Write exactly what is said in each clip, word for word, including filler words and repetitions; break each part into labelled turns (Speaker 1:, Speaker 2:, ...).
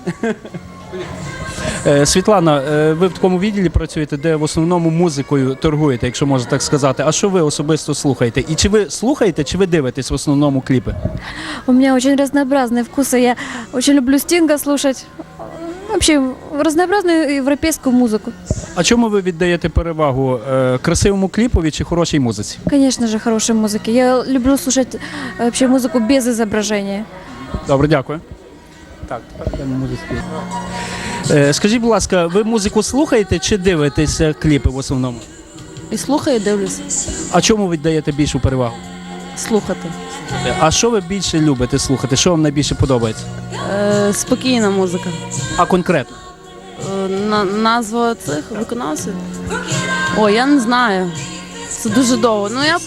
Speaker 1: Світлана, ви в такому відділі працюєте, де в основному музикою торгуєте, якщо можна так сказати. А що ви особисто слухаєте? І чи ви слухаєте, чи ви дивитесь в основному кліпи?
Speaker 2: У меня очень разнообразные вкусы. Я очень люблю Стинга слушать. Вообще разнообразную европейскую музыку.
Speaker 1: А чому ви віддаєте перевагу е, красивому кліпові чи хорошій музиці?
Speaker 2: Конечно же, хорошей музыки. Я люблю слушать э, вообще музыку без изображения.
Speaker 1: Добре, дякую. Так, тепер йдемо музику. Е, скажіть, будь ласка, ви музику слухаєте чи дивитеся кліпи в основному?
Speaker 3: І слухаю, і дивлюся.
Speaker 1: А чому ви віддаєте більшу перевагу?
Speaker 3: Слухати.
Speaker 1: А що ви більше любите слухати? Що вам найбільше подобається?
Speaker 3: Е, спокійна музика.
Speaker 1: А конкретно?
Speaker 3: Е, на, назва цих виконавців? О, я не знаю. Це дуже довго. Ну я...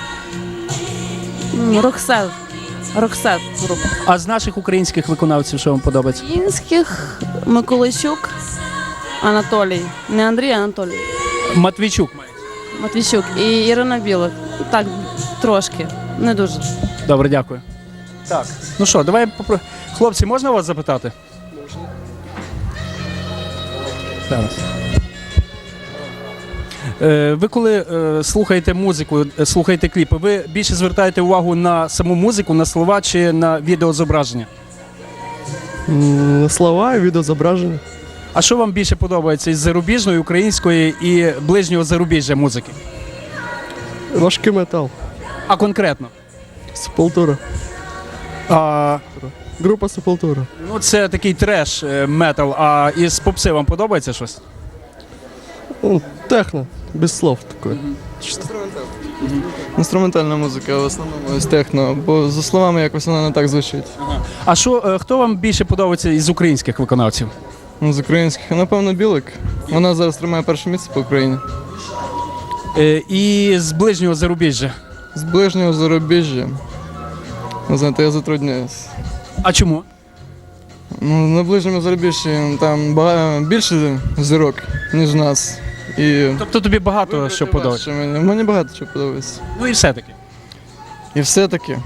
Speaker 3: М, Роксет. Роксет група.
Speaker 1: А з наших українських виконавців що вам подобається?
Speaker 3: Українських Миколайчук, Анатолій. Не Андрій, а Анатолій.
Speaker 1: Матвійчук має.
Speaker 3: Матвійчук і Ірина Білик. Так, трошки. Не дуже.
Speaker 1: Добре, дякую. Так. Ну що, давай попро... Хлопці, можна вас запитати? Можна. Зараз. Е, ви коли е, слухаєте музику, е, слухаєте кліпи, ви більше звертаєте увагу на саму музику, на слова чи на відеозображення?
Speaker 4: М, Слова і відеозображення.
Speaker 1: А що вам більше подобається із зарубіжної, української і ближнього зарубіжжя музики?
Speaker 4: Важкий метал.
Speaker 1: А конкретно?
Speaker 4: Сепультура.
Speaker 1: А,
Speaker 4: Група Сепультура.
Speaker 1: ну це такий треш е, метал, а із попси вам подобається щось?
Speaker 4: Ну, техно, без слов такое.
Speaker 5: Інструментальна музика, в основному з техно, бо за словами якось вона не так звучить.
Speaker 1: А що, е, хто вам більше подобається із українських виконавців?
Speaker 5: Ну, з українських, напевно, Білик. Вона зараз тримає перше місце по Україні.
Speaker 1: Е, і з ближнього зарубіжжя?
Speaker 5: З ближнього зарубіжжя. Не знаєте, я затрудняюсь.
Speaker 1: А чому?
Speaker 5: Ну, на ближньому зарубіжжі там багато, більше зірок, ніж нас. І
Speaker 1: Тобто тобі багато
Speaker 5: вибрати
Speaker 1: що подобається?
Speaker 5: важче Мені, мені багато що подобається.
Speaker 1: Ну і все-таки.
Speaker 5: І все-таки.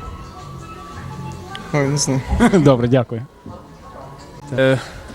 Speaker 5: Ой, не знаю.
Speaker 1: Добре, дякую. Е,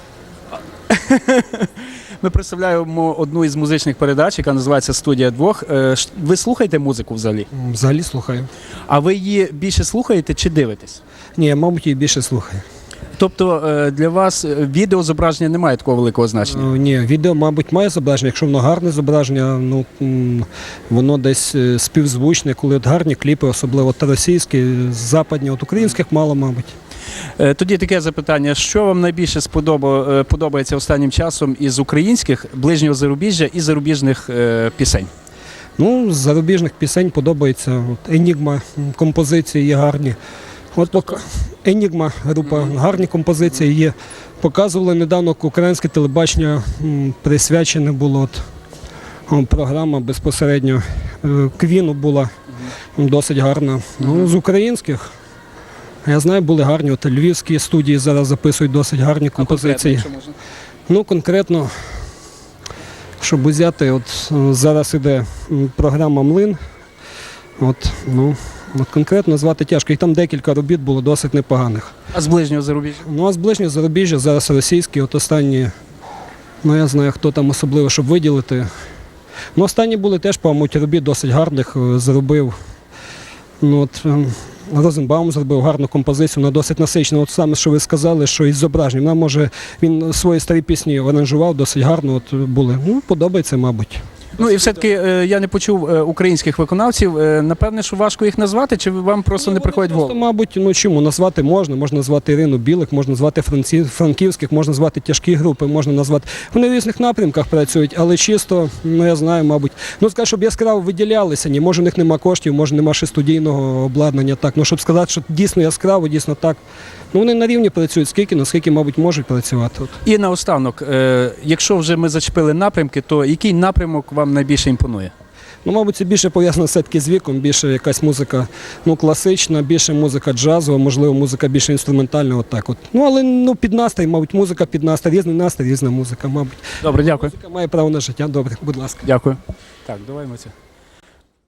Speaker 1: Ми представляємо одну із музичних передач, яка називається «Студія двох». Е, ш- Ви слухаєте музику взагалі?
Speaker 6: Взагалі слухаю.
Speaker 1: А ви її більше слухаєте чи дивитесь?
Speaker 6: Ні, я, мабуть, її більше слухаю.
Speaker 1: Тобто е, для вас е, відеозображення не має такого великого значення?
Speaker 6: Е, Ні, відео, мабуть, має зображення. Якщо воно гарне зображення, ну м, воно десь е, співзвучне, коли от гарні кліпи, особливо от російські, западні, от українських мало, мабуть.
Speaker 1: Е, Тоді таке запитання, що вам найбільше сподоба- е, подобається останнім часом із українських, ближнього зарубіжжя і зарубіжних е, пісень?
Speaker 6: Ну, з зарубіжних пісень подобається от, Енігма, м, композиції є гарні. От поки Енігма група, гарні композиції є. Показували недавно українське телебачення, м, присвячене було от, о, програма безпосередньо е, Квіну була м, досить гарна. Ну, з українських, я знаю, були гарні. От львівські студії зараз записують досить гарні композиції. Ну, конкретно, щоб взяти, от е, зараз іде м, програма «Млин». От, ну, от конкретно назвати тяжко. І там декілька робіт було досить непоганих.
Speaker 1: А з ближнього зарубіжжя?
Speaker 6: Ну, а з ближнього зарубіжжя зараз російські, от останні, ну я знаю, хто там особливо, щоб виділити. Ну, останні були теж, по-моєму, робіт досить гарних, е, зробив. Ну, от, ем, Розенбаум зробив гарну композицію, вона досить насичена. От саме, що ви сказали, що із зображенням. Вона, може, він свої старі пісні аранжував досить гарно, от були. Ну, подобається, мабуть.
Speaker 1: Ну і все-таки е, я не почув е, українських виконавців. Е, Напевне, що важко їх назвати, чи вам просто не приходить в
Speaker 6: Просто,
Speaker 1: голову?
Speaker 6: мабуть, ну чому назвати можна, можна назвати Ірину Білик, можна назвати Франці... франківських, можна назвати тяжкі групи, можна назвати. Вони в різних напрямках працюють, але чисто, ну я знаю, мабуть. Ну скажу, щоб яскраво виділялися, ні, може в них нема коштів, може нема ще студійного обладнання, так. Ну щоб сказати, що дійсно яскраво, дійсно так. Ну вони на рівні працюють, скільки, наскільки, мабуть, можуть працювати. От.
Speaker 1: І наостанок, е, якщо вже ми зачепили напрямки, то який напрямок вам найбільше імпонує?
Speaker 6: Ну, мабуть, це більше пов'язано все-таки з віком, більше якась музика ну, класична, більше музика джазова, можливо, музика більше інструментальна, отак от. Ну, але ну, під настрій, мабуть, музика під настрій, різний настрій, різна музика, мабуть.
Speaker 1: Добре, дякую.
Speaker 6: Музика має право на життя, добре, будь ласка.
Speaker 1: Дякую. Так, давай ми це.